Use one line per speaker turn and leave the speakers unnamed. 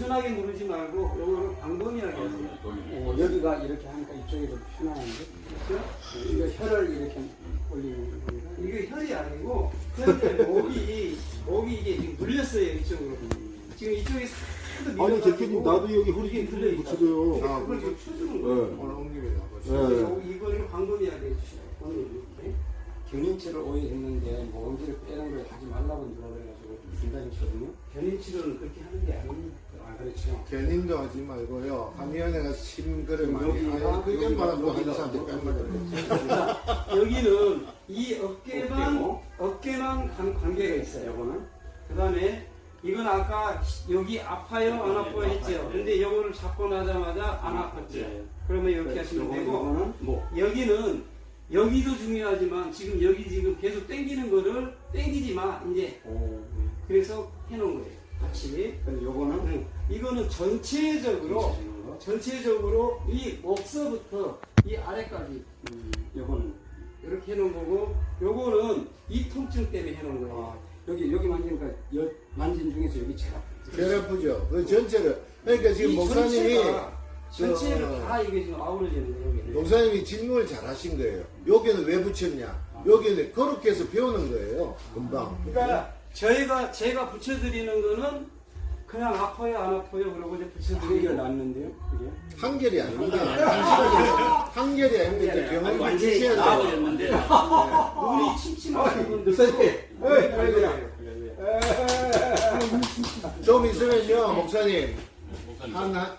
편하게 누르지 말고 요거를 광범위하게 하세요.
여기가 이렇게 하니까 이쪽이 좀 편안한데?
그렇죠?
이거 혀를 이렇게 올리는 겁니다.
이게 혈이 아니고 현재 목이 이게 지금 물렸어요 이쪽으로. 지금 이쪽에 하도
아니
밀려가지고
대표님 나도 여기 허리
이게
좀
눌려있다.
붙여줘요.
그걸 지금 쳐주는 거예요.
네.
오늘 옮깁니다.
네.
이거를 광범위하게 해주셔요. 오늘 이렇게.
견인치를 오해했는데 모음지를 빼는 걸 하지 말라고 누가 그래가지고 중단했거든요.
견인치료는 그렇게 하는 게 아닙니다.
아 그렇죠.
견인도 하지 말고요. 하미연애가 침그를 많이
여기가,
하요. 그게 바로 또
여기가,
한사한테
여기가.
뺀거든요.
여기는 이 어깨만 관계가 있어요.
요거는
그 다음에 이건 아까 여기 아파요 안 아파요 했죠. 근데 이거를 잡고 나자마자 안 아팠죠. 그러면 이렇게 하시면 되고
요거는 뭐
여기는 여기도 중요하지만 지금 여기 지금 계속 당기는 거를 당기지 마 이제 그래서 해놓은 거예요. 같이.
근데 요거는
이거는 전체적으로 이 목서부터 이 아래까지
요거는
이렇게 해놓은 거고 요거는 이 통증 때문에 해놓은 거예요.
여기 만지니까 만진 중에서 여기 제일 아프죠.
제일 아프죠. 그 전체를. 그러니까 지금
이
목사님이
전체를 다 이게 지금 아우러지는 거예요.
목사님이 질문을 잘 하신 거예요. 여기는 왜 붙였냐? 여기는 그렇게 해서 배우는 거예요. 금방.
그러니까 제가 붙여드리는 거는 그냥 아파요 안 아파요 그러고 이제
한결
붙여드리고
났는데요. 그게
한결이 아닙니다. 한결이 아닙니다. 이제 병원을
완전히
주셔야 돼요.
나아버렸는데
눈이 침침하신 분들
좀 있으면요, 목사님.